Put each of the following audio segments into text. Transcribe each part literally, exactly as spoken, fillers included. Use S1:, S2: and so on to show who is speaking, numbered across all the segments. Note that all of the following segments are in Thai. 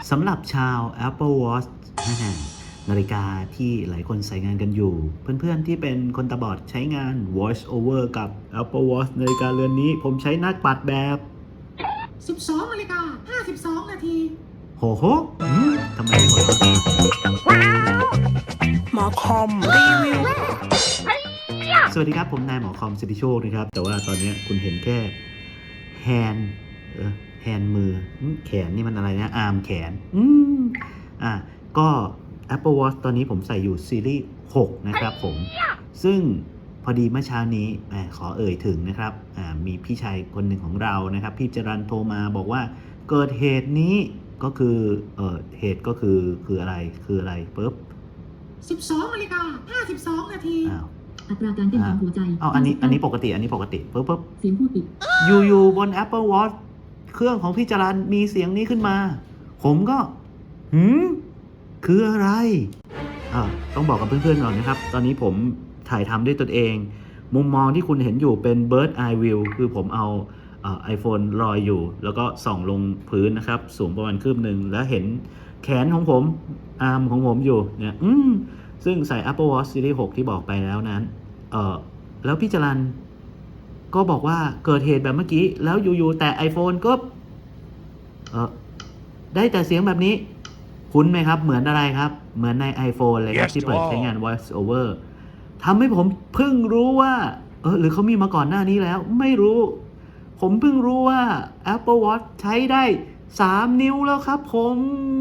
S1: สำหรับชาว Apple Watch นาฬิกาที่หลายคนใช้งานกันอยู่เพื่อนๆที่เป็นคนตาบอดใช้งาน Voice Over กับ Apple Watch นาฬิกาเรือนนี้ผมใช้หน้าปัดแบบ
S2: สิบสองนาฬิกาห้าสิบสองนาที
S1: โหโหทำไมหัวเราะ
S3: หมอคอมรีวิว
S1: สวัสดีครับผมนายหมอคอมสิทธิโชคนะครับแต่ว่าตอนนี้คุณเห็นแค่แฮนด์เออแฮนด์มือแขนนี่มันอะไรนะอาร์มแขนอืมอ่ะก็ Apple Watch ตอนนี้ผมใส่อยู่ซีรีส์หกนะครับผมซึ่งพอดีเมื่อเช้านี้ขอเอ่ยถึงนะครับมีพี่ชายคนหนึ่งของเรานะครับพี่จรันโทรมาบอกว่าเกิดเหตุนี้ก็คือเออเหตุก็คือคืออะไรคืออะไรปุ๊บ
S2: สิบสองนาฬิกาห้าสิบสองนาที
S1: อ้าว
S4: อัตราการเต้นของหัวใจ
S1: อ้าวอันนี้อันนี้ปกติอันนี้ปกติปุ๊บปุ๊บ
S4: เสียงพูดปิด
S1: อยู่ๆบน Apple Watch เครื่องของพี่จรันมีเสียงนี้ขึ้นมาผมก็หืมคืออะไรอ่าต้องบอกกับเพื่อนๆก่อนนะครับตอนนี้ผมถ่ายทำด้วยตนเองมุมมองที่คุณเห็นอยู่เป็น Bird Eye View คือผมเอาไอโฟนลอยอยู่แล้วก็ส่องลงพื้นนะครับสูงประมาณคืบหนึ่งแล้วเห็นแขนของผมอาร์มของผมอยู่เนี่ยอืมซึ่งใส่ Apple Watch Series หกที่บอกไปแล้วนั้นเออแล้วพี่จรันก็บอกว่าเกิดเหตุแบบเมื่อกี้แล้วอยู่ๆแต่ iPhone ก็เออได้แต่เสียงแบบนี้คุ้นไหมครับเหมือนอะไรครับเหมือนใน iPhone เลยครับ yes, ที่เปิดใช้งาน Voice Over ทำให้ผมเพิ่งรู้ว่าเออหรือเขามีมาก่อนหน้านี้แล้วไม่รู้ผมเพิ่งรู้ว่า Apple Watch ใช้ได้สามนิ้วแล้วครับผม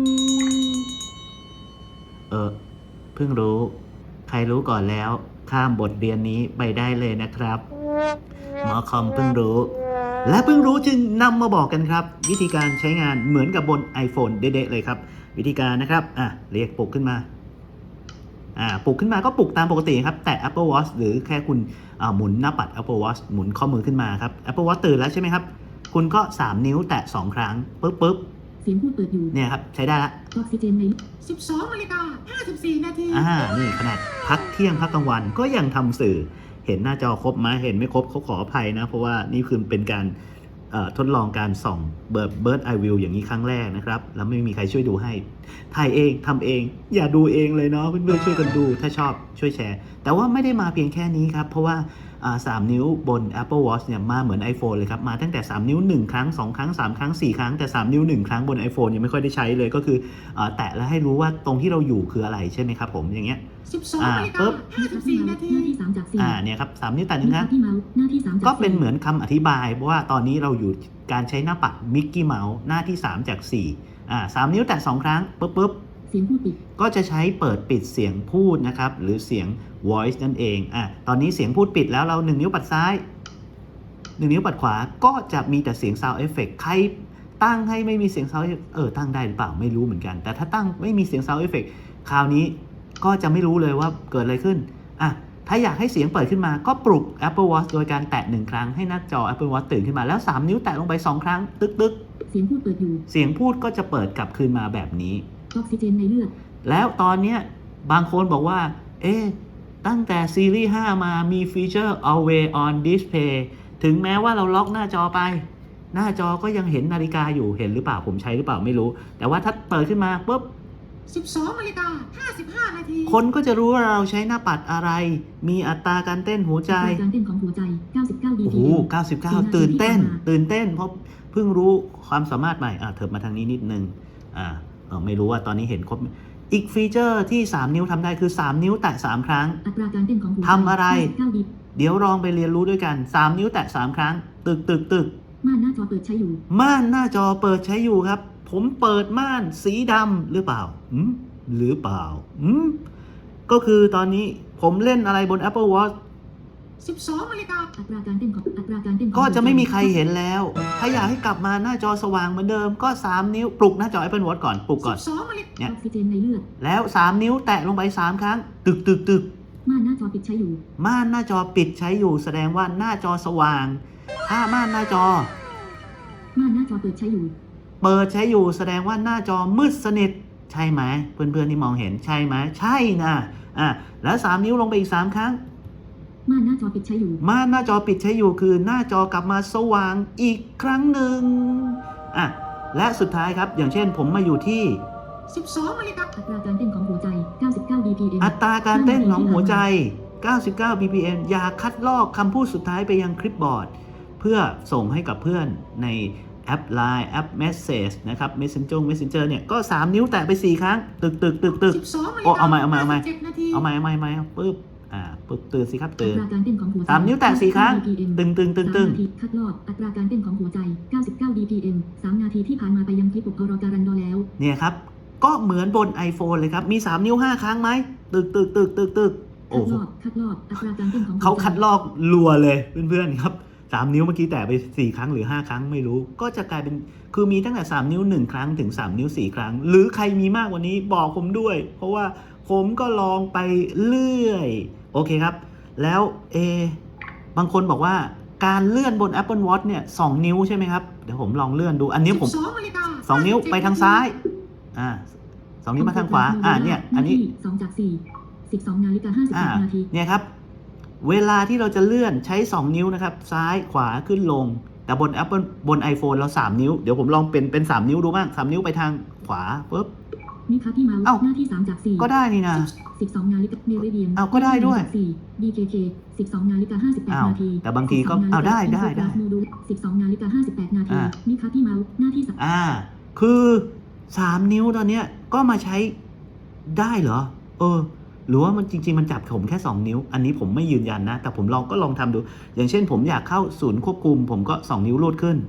S1: เออเพิ่งรู้ใครรู้ก่อนแล้วข้ามบทเรียนนี้ไปได้เลยนะครับหมอคอมเพิ่งรู้และเพิ่งรู้จึงนำมาบอกกันครับวิธีการใช้งานเหมือนกับบน iPhone เด๊ะๆเลยครับวิธีการนะครับอ่ะเรียกปลุกขึ้นมาอ่าปลุกขึ้นมาก็ปลุกตามปกติครับแต่ Apple Watch หรือแค่คุณอ่าหมุนหน้าปัด Apple Watch หมุนข้อมือขึ้นมาครับ Apple Watch ตื่นแล้วใช่ไหมครับคุณก็สามนิ้วแตะสองครั้งปึ๊บปึ๊บ
S4: เสียงพูดเปิดอยู่
S1: เนี่ยครับใช้ได้ละ
S4: ออกซิเจนใน
S2: สิบสองนาฬิกาห้าสิบสี่นาที
S1: อ่านี่ขนาดพักเที่ยงพักกลางวันก็ยังทำสื่อเห็นหน้าจอครบไหมเห็นไม่ครบเขาขออภัยนะเพราะว่านี่คือเป็นการทดลองการส่องเบิร์ดเบิร์ดไอวิวอย่างนี้ครั้งแรกนะครับแล้วไม่มีใครช่วยดูให้ถ่ายเองทำเองอย่าดูเองเลยเนาะเพื่อนๆช่วยกันดูถ้าชอบช่วยแชร์แต่ว่าไม่ได้มาเพียงแค่นี้ครับเพราะว่าสามนิ้วบน Apple Watch เนี่ยมาเหมือน iPhone เลยครับมาตั้งแต่สามนิ้วหนึ่งครั้งสองครั้งสามครั้งสี่ครั้งแต่สามนิ้วหนึ่งครั้งบน iPhone ยังไม่ค่อยได้ใช้เลยก็คือแตะแล้วให้รู้ว่าตรงที่เราอยู่คืออะไรใช่ไหมครับผมอย่างเงี้ย
S2: สิบสองนาฬิกาห้าสิบสี่นาที
S4: หน้าที่สามจากสี่
S1: อ่าเนี่ยครับสามนิ้วแตะหนึ่งครั้ง
S4: หน้าที่สาม
S1: ก็เป็นเหมือนคำอธิบายเพราะว่าตอนนี้เราอยู่การใช้หน้าปัดมิกกี้เมาส์หน้าที่สามจากสี่อ่าสามนิ้วแตะสองครั้งปุ๊บปุ๊บ
S4: เสียงพูดปิด
S1: ก็จะใช้เปิดปิดเสียงพูดนะครับหรือเสียง voice นั่นเองอ่ะตอนนี้เสียงพูดปิดแล้วเราหนึ่งนิ้วปัดซ้ายหนึ่งนิ้วปัดขวาก็จะมีแต่เสียง sound effect ใครตั้งให้ไม่มีเสียง sound effect เออตั้งได้หรือเปล่าไม่รู้เหมือนกันแต่ถ้าตั้งไม่มีเสียง sound effect คราวนี้ก็จะไม่รู้เลยว่าเกิดอะไรขึ้นอ่ะถ้าอยากให้เสียงเปิดขึ้นมาก็ปลุก Apple Watch โดยการแตะหนึ่งครั้งให้หน้าจอ Apple Watch ตื่นขึ้นมาแล้วสามนิ้วแตะลงไปสองครั้งตึกตึก
S4: เสียงพูดเปิดอยู่
S1: เสียงพูดก็จะเปิดกลับคืนมาแบบนี้
S4: ออกซิเจนในเลือด
S1: แล้วตอนนี้บางคนบอกว่าเอ๊ะตั้งแต่ซีรีส์ห้ามามีฟีเจอร์ Always on Display ถึงแม้ว่าเราล็อกหน้าจอไปหน้าจอก็ยังเห็นนาฬิกาอยู่เห็นหรือเปล่าผมใช้หรือเปล่าไม่รู้แต่ว่าถ้าเปิดขึ้นมาปุ๊บ
S2: สิบสองนาฬิกาห้าสิบห้านาที
S1: คนก็จะรู้ว่าเราใช้หน้าปัดอะไรมีอัตราการเต้นหัวใจ
S4: การเต้นของหัวใจเก้าสิบเก้า บี พี
S1: โอ้โหเก้าสิบเก้าตื่นเต้นตื่นเต้นเพราะเพิ่งรู้ความสามารถใหม่อ่ะเถิบมาทางนี้นิดนึงอ่าเออไม่รู้ว่าตอนนี้เห็นครบอีกฟีเจอร์ที่สามนิ้วทำได้คือสามนิ้วแตะสามครั้ง
S4: อัตราการเต้นของหัวใจ
S1: ทำอะไรเดี๋ยวลองไปเรียนรู้ด้วยกันสามนิ้วแตะสามครั้งตึกตึกตึก
S4: ม่านหน้าจอเปิดใช้อยู่
S1: ม่านหน้าจอเปิดใช้อยู่ครับผมเปิดม่านสีดำหรือเปล่าอืมหรือเปล่าอืมก็คือตอนนี้ผมเล่นอะไรบน Apple Watch
S2: สิบสองนาฬิกา
S4: อัตราการเต้นของอัตราการเต้น
S1: ก็จะไม่มีใครเห็นแล้วถ้าอยากให้กลับมาหน้าจอสว่างเหมือนเดิมก็สามนิ้วปลุกหน้าจอ Apple Watch ก่อนปลุกก่อน
S4: เนี่ยออกซิเจนในเลือด
S1: แล้วสามนิ้วแตะลงไปสามครั้งตึกตึกตึก
S4: ม่านหน้าจอปิดใช้อยู่
S1: ม่านหน้าจอปิดใช้อยู่แสดงว่าหน้าจอสว่างถ้าม่านหน้าจอ
S4: ม่านหน้าจอเปิดใช้อยู่
S1: เปิดใช้อยู่แสดงว่าหน้าจอมืดสนิทใช่ไหมเพื่อนๆที่มองเห็นใช่ไหมใช่นะอ่ะแล้วสามนิ้วลงไปอีกสามครั้ง
S4: ม่านหน้าจอปิดใช้อยู่
S1: ม่านหน้าจอปิดใช้อยู่คือหน้าจอกลับมาสว่างอีกครั้งหนึ่งอ่ะและสุดท้ายครับอย่างเช่นผมมาอยู่ที่
S2: สิบสองนาฬิกา
S4: อัตราการเต้นของหัวใจ เก้าสิบเก้า บี พี เอ็ม
S1: อัตราการเต้นของหัวใจ เก้าสิบเก้า บี พี เอ็ม อย่าคัดลอกคำพูดสุดท้ายไปยังคลิปบอร์ด เพื่อส่งให้กับเพื่อนในแอป ไลน์ แอป Message นะครับ Messenger Messenger เนี่ยก็สามนิ้วแตะไปสี่ครั้ง ตึกตึกตึกตึก
S2: สิบสองนาฬิ
S1: โอ้
S2: กา
S1: เอาใหม่เอาใหม่เอาใหม่
S2: ห้สิบเจ็ดนาที
S1: เอาใหม่เอาใหม่เอาใหม่ปึ๊บอ่าปึ๊บตื่นสิครับ
S4: อั
S1: ตื่น
S4: ตราการเต้นของหัวใจ
S1: สามนิ้วแตะสี่ครั้ง
S4: บี พี เอ็ม
S1: ตึงตึงตึงตึง
S4: สามนาทีคัดลอกอัตราการเต้นของหัวใจ เก้าสิบเก้า บี พี เอ็ม สามนาทีที่ผ่านมาไปยังคลิปอุปกรณ์การันดอแล้ว
S1: เนี่ยครับ ก็เหมือนบน iPhone เลยครับ มีสามนิ้วห้าครั้งไหมตึกตึกตึกตึกตึก
S4: คั
S1: โอ้
S4: ด
S1: โห
S4: ลอกคัดลอกอัตราการเต้นของหัวใจ
S1: เขาคัดลอกรัวเลยเพื่อนๆครับสามนิ้วเมื่อกี้แตะไปสี่ครั้งหรือห้าครั้งไม่รู้ ก็จะกลายเป็นคือมีตั้งแต่สามนิ้วหนึ่งครั้งถึงสามนิ้วสี่ครั้ง หรือใครมีมากกว่านี้บอกผมด้วย เพราะว่าผมก็ลองไปเรื่อยโอเคครับ แล้วเอบางคนบอกว่าการเลื่อนบน Apple Watch เนี่ยสองนิ้วใช่ไหมครับเดี๋ยวผมลองเลื่อนดูอันนี้ผม
S2: สิบสองนาฬิกา
S1: สองนิ้วไปทางซ้ายอ่าสองนิ้วมาทางขวาอ่าเนี่ยอันนี้
S4: สองจากสี่สิบสองนาฬิกาห้าสิบ
S1: อ่า
S4: แปดนาที
S1: เนี่ยครับเวลาที่เราจะเลื่อนใช้สองนิ้วนะครับซ้ายขวาขึ้นลงแต่บน Apple บน iPhone เราสามนิ้วเดี๋ยวผมลองเป็นเป็นสามนิ้วดูบ้างสามนิ้วไปทางขวาปุ๊บ
S4: นิคัทที่เมาส์
S1: เอ้า
S4: หน้าที่สามจากสี่
S1: ก็ได้นี่นะ
S4: สิบสองนาฬิกาเมริเดียน
S1: เอ้าก็ได้ด้วย
S4: สี่ บี เค เค สิบสองนาฬิกาห้าสิบแปด
S1: อ้าว
S4: นาที
S1: แต่บางทีก็อ้าวได้ได้ได้
S4: โมดูลสิบสองนาฬิกาห้าสิบแปดนาที
S1: อ่า
S4: นิคัทที่เมาส์หน้าที่สาม
S1: อ่าคือสามนิ้วตอนเนี้ยก็มาใช้ได้เหรอเออหรือว่ามันจริงๆมันจับผมแค่สองนิ้วอันนี้ผมไม่ยืนยันนะแต่ผมลองก็ลองทำดู อย่างเช่นผมอยากเข้าศูนย์ควบคุมผมก็สองนิ้วลูดขึ้น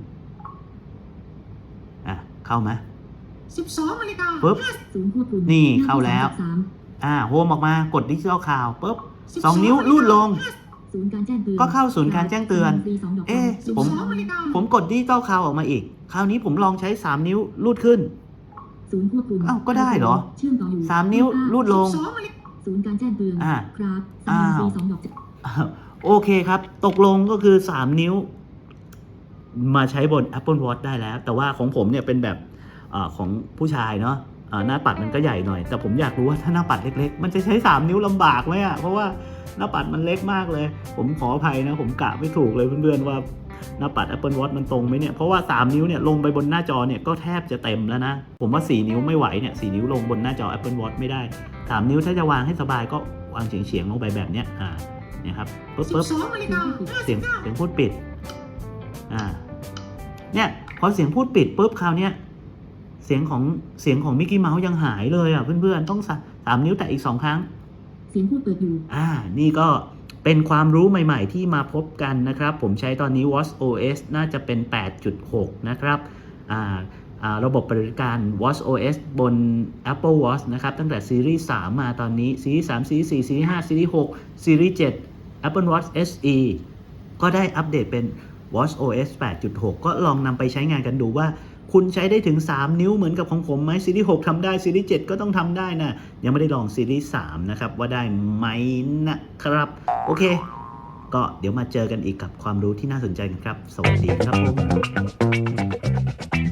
S1: อ่ะเข้าไหม
S2: สิบสองนาฬิกา
S1: ปุ๊บ
S4: ศูนย์ควบคุม
S1: นี่
S4: หที่
S1: เข้าแล้ว
S4: สาม
S1: อ่าโฮมออกมากดดิจิทัลคาวปุ๊บ
S2: สิบ
S1: สองนิ้วลูดลง
S4: ศูนย์การแจ้งเตือน
S1: ก็เข้าศูนย์การแจ้งเตือน
S4: ฟรีสองดอก
S1: เอ๊ะ
S2: สิบ
S1: ผม
S2: สองนาฬิกา
S1: ผมกดดิจิตอลคาวออกมาอีก คราวนี้ผมลองใช้สามนิ้วลูดขึ้น
S4: ศูนย์ควบคุม
S1: อ้าวก็ได้เหรอ
S4: เชื่อมต่ออยู่
S1: สามนิ้วลูดลง
S2: สิบสองนาฬิกา
S4: ศูนย์การแจ้งเตือน
S1: อ่า
S4: ครับ
S1: อ้าว
S4: ฟรีสองดอก
S1: อ้าวโอเคครับ ตกลงก็คือสามนิ้ว มาใช้บน Apple Watch ได้แล้ว แต่ว่าของผมเนี่ยเป็นแบบอาของผู้ชายเนาะอ่าหน้าปัดมันก็ใหญ่หน่อย แต่ผมอยากรู้ว่าถ้าหน้าปัดเล็กๆ มันจะใช้สามนิ้วลำบากไหมอะเพราะว่าหน้าปัดมันเล็กมากเลย ผมขออภัยนะ ผมกะไม่ถูกเลยเพื่อนๆว่าหน้าปัด Apple Watch มันตรงไหมเนี่ย เพราะว่าสามนิ้วเนี่ยลงไปบนหน้าจอเนี่ยก็แทบจะเต็มแล้วนะ ผมว่าสี่นิ้วไม่ไหวเนี่ยสี่นิ้วลงบนหน้าจอ Apple Watch ไม่ได้สามนิ้วถ้าจะวางให้สบายก็วางเฉียงๆลงไปแบบเนี้ยอ่าเนี่ยครับปึ๊บ
S2: สิบ
S1: ปึ๊บ
S2: สองนาฬิกาห้า
S1: เสี
S2: สิ
S1: ยง
S2: บเก้า
S1: เสียงพูดปิด อ่า เนี่ยพอเสียงพูดปิดปุ๊บคราวเนี้ยเสียงของเสียงของมิกกี้เมาส์ยังหายเลยอ่ะเพื่อนๆต้องสาสามนิ้วแต่อีกสองครั้ง
S4: เสียงพูดเปิดอยู่
S1: อ่า นี่ก็เป็นความรู้ใหม่ๆที่มาพบกันนะครับ ผมใช้ตอนนี้ Watch โอ เอส น่าจะเป็น แปดจุดหก นะครับ อ่า อ่า ระบบปฏิบัติการ Watch โอ เอส บน Apple Watch นะครับ ตั้งแต่ซีรีส์สามมาตอนนี้ ซีรีส์สามซีรีส์สี่ซีรีส์ห้าซีรีส์หกซีรีส์เจ็ด Apple Watch เอส อี ก็ได้อัปเดตเป็น Watch โอ เอส แปดจุดหก ก็ลองนำไปใช้งานกันดูว่า คุณใช้ได้ถึงสามนิ้วเหมือนกับของผมไหมซีรีส์หกทำได้ซีรีส์เจ็ดก็ต้องทำได้นะ ยังไม่ได้ลองซีรีส์สามนะครับว่าได้ไหมนะครับ โอเค ก็เดี๋ยวมาเจอกันอีกกับความรู้ที่น่าสนใจกันครับ สวัสดีครับผม